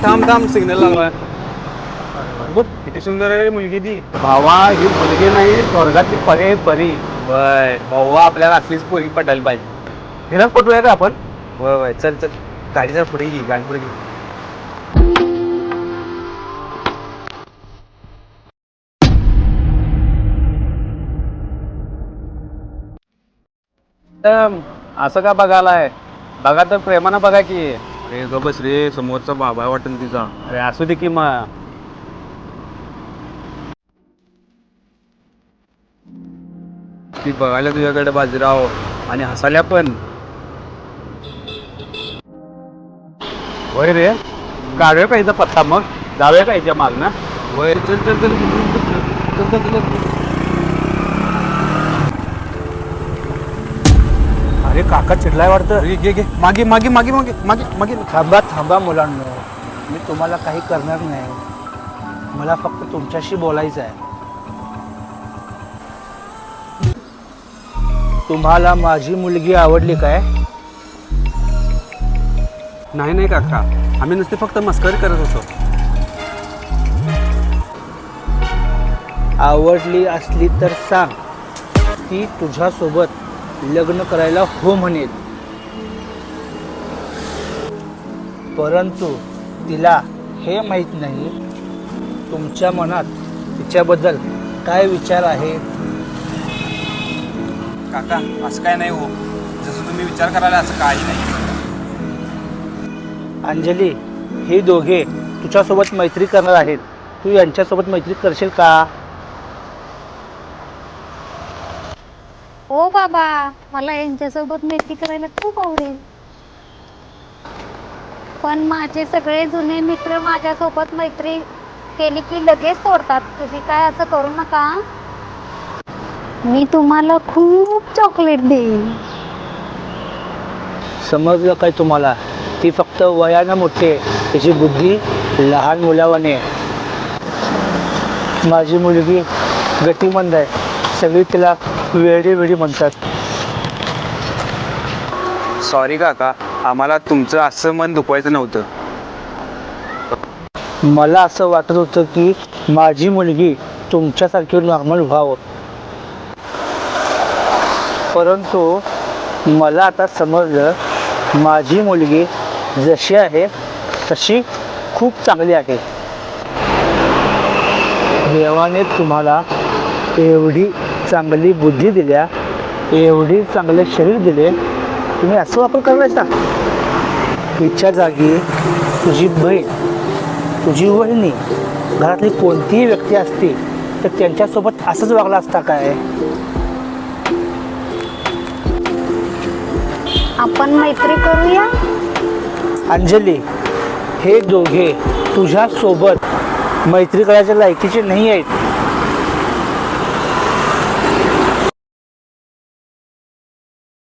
थांब थांब सिग्नल लागलाय. बघ किती सुंदर आहे मुलगी ती. भावा ही मुलगी नाही स्वर्गातली परी परी. वय भावा आपल्याला असलीच पोरी पटायला पाहिजे. हिलाच पटूया का आपण? वय वय चल चल गाडीचा पुढे घे गाडी पुढे घे. असं का बघायलाय? बघा तर प्रेमानं बघा की. अरे ग बस रे, समोरचा बाबा वाटेल तिचा. अरे असू दे की मग. ती बघायला तुझ्याकडे बाजीराव आणि हसाल्या पण. होय रे काढूया का हिचा पत्ता मग जाऊया का हिच्या मागनं. वय चल चल चल चल चल चल. अरे काका चिडलाय वाटतं. अरे घे घे मागे मागे मागे मागे मागे मागे. थांबा थांबा मुलांनो, मी तुम्हाला काही करणार नाही. मला फक्त तुमच्याशी बोलायचं आहे. तुम्हाला माझी मुलगी आवडली काय? नाही नाही काका, आम्ही नुसते फक्त मस्करी करत होतो. आवडली असली तर सांग, ती तुझ्यासोबत लग्न करायला हो म्हणेल. परंतु तिला हे माहीत नाही तुमच्या मनात तिच्याबद्दल काय विचार आहे. काका असं काय नाही हो, जसं तुम्ही विचार करायला असं काही नाही. अंजली, हे दोघे तुझ्यासोबत मैत्री करणार आहेत. तू यांच्यासोबत मैत्री करशील का? हो बाबा, मला यांच्यासोबत मैत्री करायला खूप आवडेल. पण माझे सगळे जुने मित्र माझ्यासोबत मैत्री केली की लगेच तोडतात. तुम्ही काय असं करू नका. मी तुम्हाला खूप चॉकलेट देईन. समजलं काय तुम्हाला? ती फक्त वयानं मोठी आहे, तिची बुद्धी लहान मुलावाने आहे. माझी मुलगी गतिमंद आहे, सगळी तिला वेडी वेडी म्हणतात. सॉरी काका, आम्हाला तुमचं असं मन दुखवायचं नव्हतं. मला असं वाटत होतं की माझी मुलगी तुमच्यासारखी नॉर्मल व्हावं. परंतु मला आता समजलं, माझी मुलगी जशी आहे तशी खूप चांगली आहे. देवाने तुम्हाला एवढी चांगली बुद्धी दिल्या, एवढी चांगले शरीर दिले, तुम्ही असं वापर करायचा. तिच्या जागी तुझी बहीण, तुझी वहिनी, घरातली कोणतीही व्यक्ती असती तर त्यांच्यासोबत असंच वागला असता काय? आपण मैत्री करूया. अंजली, हे दोघे तुझ्या सोबत मैत्री करायच्या लायकीचे नाही आहेत.